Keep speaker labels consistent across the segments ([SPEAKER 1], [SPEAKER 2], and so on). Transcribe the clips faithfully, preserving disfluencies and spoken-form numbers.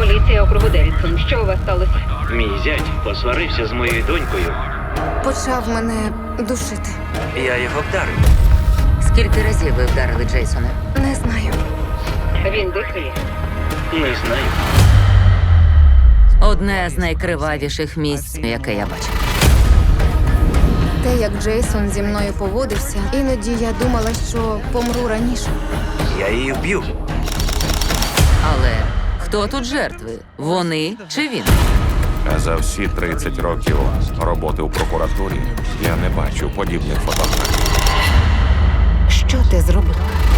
[SPEAKER 1] Поліція округу Девідсон. Що у вас сталося?
[SPEAKER 2] Мій зять посварився з моєю донькою.
[SPEAKER 3] Почав мене душити.
[SPEAKER 2] Я його вдарив.
[SPEAKER 4] Скільки разів ви вдарили Джейсона?
[SPEAKER 3] Не знаю.
[SPEAKER 1] Він дихає.
[SPEAKER 2] Не знаю.
[SPEAKER 4] Одне з найкривавіших місць, яке я бачив.
[SPEAKER 3] Те, як Джейсон зі мною поводився, іноді я думала, що помру раніше.
[SPEAKER 2] Я її вб'ю.
[SPEAKER 4] Але хто тут жертви? Вони чи він?
[SPEAKER 5] А за всі тридцять років роботи у прокуратурі я не бачив подібних фотографій.
[SPEAKER 3] Що ти зробив?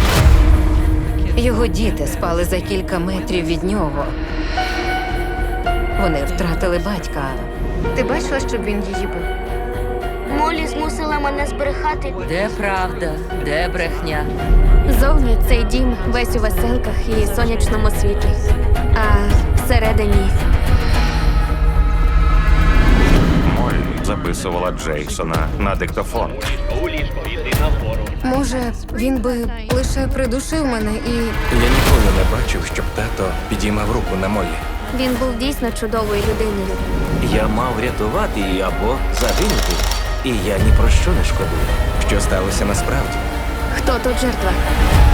[SPEAKER 3] Його діти спали за кілька метрів від нього. Вони втратили батька. Ти бачила, щоб він її бив?
[SPEAKER 6] Молі змусила мене збрехати.
[SPEAKER 4] Де правда, де брехня?
[SPEAKER 6] Зовні цей дім весь у веселках і сонячному світлі. А всередині
[SPEAKER 5] Моллі записувала Джейсона на диктофон.
[SPEAKER 2] У ліжко, йди нагору.
[SPEAKER 3] Може, він би лише придушив мене і...
[SPEAKER 7] Я ніколи не бачив, щоб тато підіймав руку на Моллі.
[SPEAKER 6] він був дійсно чудовою людиною.
[SPEAKER 7] Я мав рятувати її або загинути. І я ні про що не шкодую. Що сталося насправді?
[SPEAKER 6] Хто тут жертва?